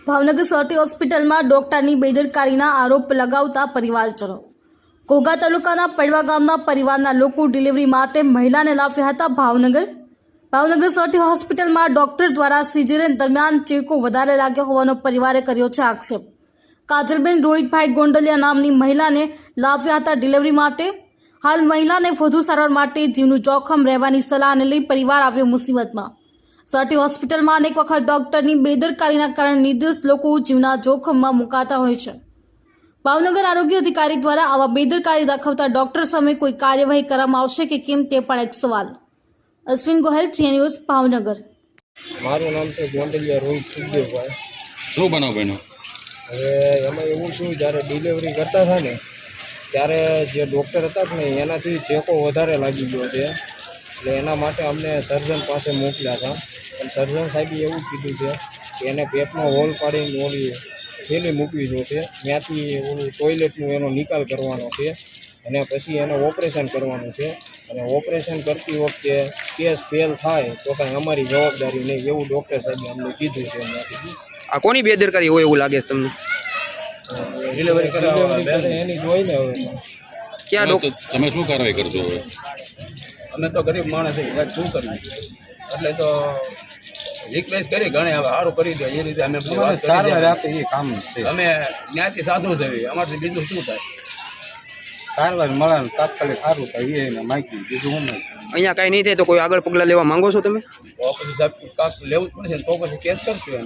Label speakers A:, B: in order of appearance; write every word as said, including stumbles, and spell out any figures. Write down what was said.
A: Bhavnagar Sir T હોસ્પિટલમાં ડોક્ટરની બેદરકારીના આરોપ લગાવતા પરિવારજનો। ઘોઘા તાલુકાના પડવા ગામના પરિવારના લોકો ડિલિવરી માટે મહિલાને લાવ્યા હતા ભાવનગર। ભાવનગર સરટી હોસ્પિટલમાં ડોક્ટર દ્વારા સિઝેરિયન દરમિયાન ચેકો વધારે લાગ્યો હોવાનો પરિવારે કર્યો છે આક્ષેપ। કાજલબેન રોહિતભાઈ ગોંડલિયા નામની મહિલાને લાવ્યા હતા ડિલિવરી માટે। હાલ મહિલાને વધુ સારવાર માટે જીવનું જોખમ રહેવાની સલાહને લઈ પરિવાર આવ્યો મુસીબતમાં। સરટી હોસ્પિટલમાં અનેક વખત ડોક્ટરની બેદરકારીના કારણે નિર્દોષ લોકો જીવના જોખમમાં મુકાતા હોય છે। ભાવનગર આરોગ્ય અધિકારી દ્વારા આવા બેદરકારી દાખવતા ડોક્ટર સામે કોઈ કાર્યવાહી કરવામાં આવશે કે કેમ તે પણ એક સવાલ। Ashwin Gohel, Zee news, Bhavnagar.
B: મારું નામ છે ગોંડલિયા રોહિત સુખદેવભાઈ।
C: શું બનાવ બન્યો?
B: હવે એમાં એવું શું, જ્યારે ડિલિવરી કરતા હતા ને ત્યારે જે ડૉક્ટર હતા ને એનાથી ચેકો વધારે લાગી ગયો છે, એટલે એના માટે અમને સર્જન પાસે મોકલ્યા હતા। પણ સર્જન સાહેબે એવું કીધું છે કે એને પેટમાં હોલ પાડીને ઓલી થેલી મૂકવી જોશે, ત્યાંથી ઓલું ટોયલેટનું એનો નિકાલ કરવાનો છે અને પછી એને ઓપરેશન કરવાનું છે। અને ઓપરેશન કરતી વખતે કેસ ફેલ થાય તો કાંઈ અમારી જવાબદારી નહીં, એવું ડૉક્ટર સાહેબે અમને કીધું છે। એમાંથી
D: આ કોની બેદરકારી હોય એવું લાગે છે તમને?
B: ડિલિવરી ડિલિવરી એની જોઈ ને હવે
D: ક્યાં ડોક્ટર?
C: તમે શું કાર્યવાહી કરજો હવે?
E: અમે તો ગરીબ માણસ છીએ, સાહેબ શું કરીએ, એટલે તો રિક્વેસ્ટ કરી ઘણે હવે સારું કરી દે એ રીતે અમે બધી વાત કરી એ કામ અમે જ્ઞાતિ સાધુ છે, અમારથી બીજું શું થાય? સારવાર મળે તાત્કાલિક સારું થાય એને માહિતી બીજું હું નહીં।
D: અહીંયા કાંઈ નહીં થાય તો કોઈ આગળ પગલાં લેવા માંગો છો તમે?
E: તો પછી સાહેબ કાંક લેવું જ પડશે ને, તો પછી કેસ કરશું.